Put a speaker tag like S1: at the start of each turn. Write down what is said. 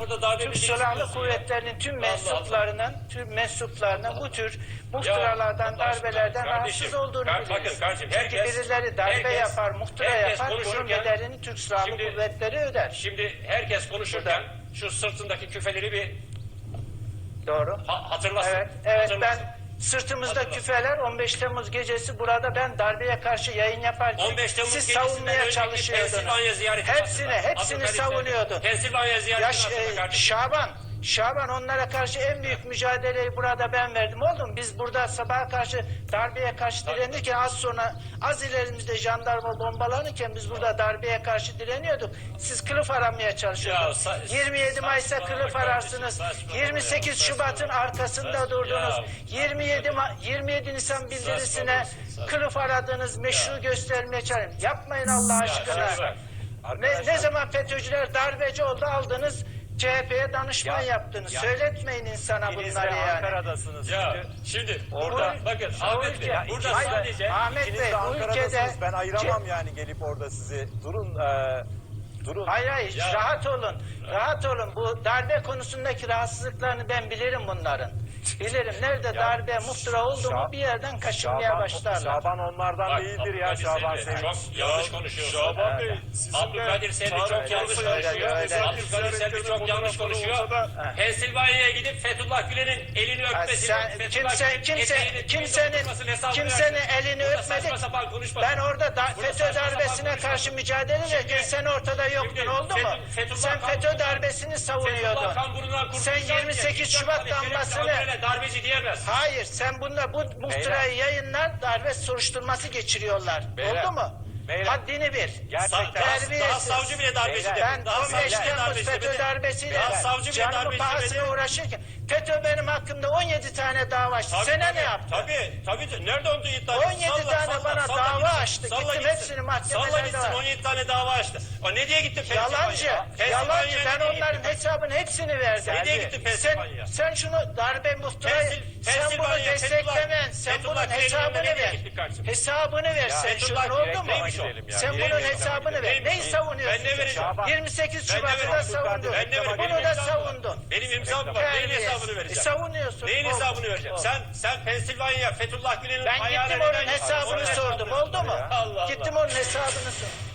S1: burada darbe
S2: Türk
S1: meselesi
S2: Silahlı
S1: diyorsun
S2: Kuvvetleri'nin tüm mensuplarının bu tür muhtıralardan,
S1: Allah aşkına,
S2: darbelerden
S1: kardeşim,
S2: rahatsız olduğunu
S1: bakın
S2: biliyoruz.
S1: kardeşim,
S2: Çünkü birileri darbe yapar, muhtıra yapar, bunun
S1: konuşurken-
S2: bedelini Türk Silahlı
S1: Şimdi-
S2: Kuvvetleri öder.
S1: Şimdi herkes konuşurken şu sırtındaki küfeleri bir
S2: Doğru.
S1: hatırlasın.
S2: Evet,
S1: Hatırlasın.
S2: ben sırtımızda küfeler 15 Temmuz gecesi burada ben darbeye karşı yayın yaparken
S1: 15 Temmuz
S2: siz
S1: gecesinden
S2: savunmaya
S1: önceki
S2: çalışıyordunuz.
S1: Pensilvanya ziyareti
S2: Hepsini
S1: hatırla.
S2: savunuyordun.
S1: Pensilvanya
S2: Ya
S1: ziyaretini hatırla kardeşim.
S2: Şaban onlara karşı en büyük mücadeleyi burada ben verdim. Oldu mu? Biz burada sabaha karşı darbeye karşı direnirken az ilerimizde jandarma bombalanırken biz burada darbeye karşı direniyorduk. Siz kılıf aramaya çalışıyordunuz. 27 Mayıs'ta kılıf ararsınız. 28 Şubat'ın arkasında durdunuz. 27 Nisan bildirisine kılıf aradınız, meşru göstermeye çalıştınız. Yapmayın Allah aşkına. Ne zaman FETÖ'cüler darbeci oldu aldınız CHP'ye danışman yaptınız. Söyletmeyin insana bunları yani.
S3: Ankara'dasınız.
S1: Ya şimdi burada bakın Ahmet Bey burada sadece
S2: Ahmet
S3: İkiniz
S2: Bey
S3: de
S2: bu ülkede
S3: Ankara'dasınız. Ben ayıramam yani gelip orada sizi. Durun. Durun.
S2: hayır
S1: Ya.
S2: rahat olun. Rahat olun. Bu darbe konusundaki rahatsızlıklarını ben bilirim bunların. Bilirim. Nerede darbe muhtıra oldu mu bir yerden kaşınmaya başlarlar.
S3: Şaban onlardan
S1: Bak,
S3: değildir ya.
S1: Abdülkadir
S3: Şaban
S1: Seyfi,
S3: Sevinç.
S1: çok yanlış konuşuyorsun.
S4: Şaban Bey,
S1: Abdülkadir Seyfi çok yanlış konuşuyor. Abdülkadir Seyfi çok yanlış konuşuyor. Pensilvanya'ya gidip Fethullah Gülen'in elini öpmesini,
S2: kimsenin elini öpmedik. Ben orada FETÖ darbesine karşı mücadele ederken sen ortada yoktun, oldu mu? Sen FETÖ darbesini savunuyordun. Sen 28 Şubat damgasını...
S1: Darbeci diyemez.
S2: Hayır, sen bunda bu muhtırayı yayınlar, darbe soruşturması geçiriyorlar. Oldu mu? Haddini bil.
S3: Gerçekten.
S1: Daha savcı bile darbeci demedi.
S2: Ben
S1: Daha
S2: 15
S1: savcı bile
S2: Temmuz
S1: darbeci
S2: FETÖ
S1: demedi.
S2: darbesiyle
S1: Daha savcı bile
S2: canımın
S1: darbeci
S2: pahasına
S1: demedi.
S2: uğraşırken FETÖ benim hakkımda 17 tane dava açtı. Sen ne yaptın?
S1: Tabii. Nerede onu iddia
S2: 17 tane bana dava açtı. Gittim hepsini mahkemelerde
S1: Salla gitsin
S2: var.
S1: 17 tane dava açtı. O ne diye gitti
S2: Yalancı. Yalancı. Ben onların hesabını hepsini verdim.
S1: Ne diye gitti Pensilvanya?
S2: Sen şunu darbe muhtırayı sen bunu desteklemen. Sen bunun hesabını ver. Hesabını ver sen şunun, oldu mu? Sen bunun hesabını ver. Neyi savunuyorsun?
S1: Ben ne vereceğim?
S2: 28
S1: Ben ne
S2: Şubat'ı da
S1: vereceğim?
S2: savundun.
S1: Ben ne vereceğim?
S2: Bunu
S1: Benim
S2: da
S1: imzam var.
S2: savundun.
S1: Benim imzam var. Neyin hesabını vereceğim?
S2: Savunuyorsun.
S1: Neyin
S2: Oldu.
S1: hesabını vereceğim?
S2: Oldu.
S1: Sen Pensilvanya, Fethullah Gülen'in
S2: Ben
S1: ayağına
S2: gittim onun
S1: neden-
S2: hesabını sordum, oldu mu?
S1: Allah Allah.
S2: Gittim onun hesabını sordum.